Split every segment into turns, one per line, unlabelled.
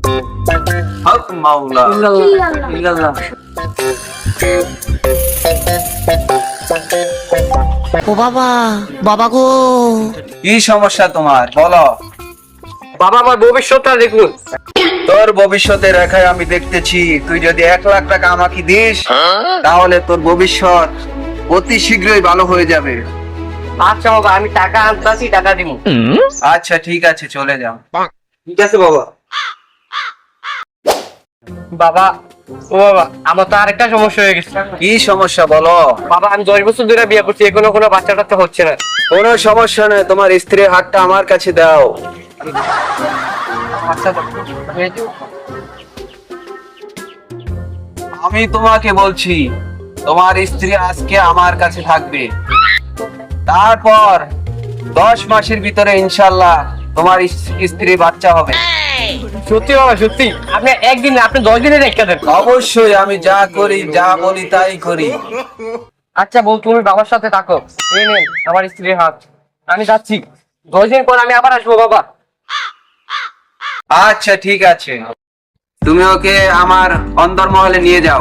হক মাওলা ইল্লাল্লাহ।
ও বাবা, বাবা গো,
কি সমস্যা তোমার বলো?
বাবা আমার ভবিষ্যৎটা দেখুন।
তোর ভবিষ্যতে রেখায় আমি দেখতেছি, তুই যদি 1,00,000 টাকা আমাকে দিস তাহলে তোর ভবিষ্যৎ অতি শীঘ্রই ভালো হয়ে যাবে।
আচ্ছা বাবা, আমি টাকা আনতাছি, টাকা দিব।
আচ্ছা ঠিক আছে, চলে যাও।
ঠিক আছে বাবা। বাবা, ও বাবা, আমার তো আরেকটা সমস্যা হয়ে গেছে।
কি সমস্যা বলো?
বাবা, আমি 10 বছর ধরে বিয়ে করছি, এখনো কোনো বাচ্চা টাচ্চা হচ্ছে না।
কোনো সমস্যা নেই, তোমার স্ত্রীর হাতটা আমার কাছে দাও।
আচ্ছা,
আমি তোমাকে বলছি, তোমার স্ত্রী আজকে আমার কাছে থাকবে, তারপর 10 মাসের ভিতরে ইনশাল্লাহ তোমার স্ত্রী বাচ্চা হবে।
সত্যি বাবা সত্যি? আপনি একদিন, আপনি 10 দিনে রেখে দেন।
অবশ্যই, আমি যা করি যা বলি তাই করি।
আচ্ছা বউ, তুমি বাবার সাথে থাকো। এই নেন আমার স্ত্রীর হাত, আমি যাচ্ছি। 10 দিন পর আমি আবার আসবো বাবা।
আচ্ছা ঠিক আছে, তুমি ওকে আমার অন্দরমহলে নিয়ে যাও।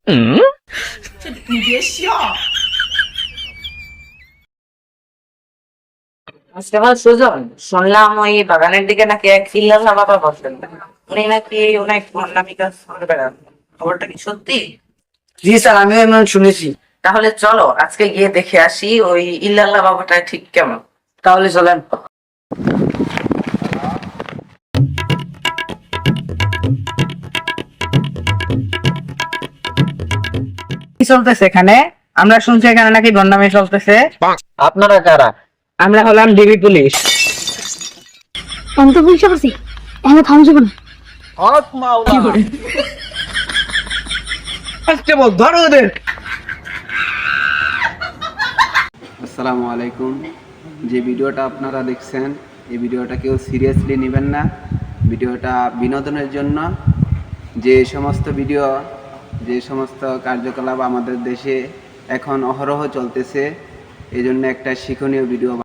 আজকে আমার সুজন, শুনলাম ওই বাগানের দিকে নাকি এক ইল্লাল্লাহ বাবা বসেন, উনি নাকি অনেক ভণ্ডামি কাজ করে বেড়ান, খবরটা কি সত্যি?
জি স্যার, আমিও এমন শুনেছি।
তাহলে চলো আজকে গিয়ে দেখে আসি ওই ইল্লাল্লাহ বাবাটা ঠিক কেমন।
তাহলে চলেন। কি চলতেছে এখানে? আমরা শুনছি এখানে নাকি ভণ্ডামি চলতেছে।
আপনারা কারা?
আমরা হলাম ডিবি পুলিশ।
আমি তো বুঝতে পারছি আমি থামছি না।
হক মাওলা।
কনস্টেবল, ধরো ওদের।
আসসালামু আলাইকুম। যে ভিডিওটা আপনারা দেখছেন, এই ভিডিওটা কেউ সিরিয়াসলি নেবেন না। ভিডিওটা বিনোদনের জন্য। যে সমস্ত কার্যকলাপ আমাদের দেশে এখন অহরহ চলতেছে, এই জন্য একটা শিক্ষণীয় ভিডিও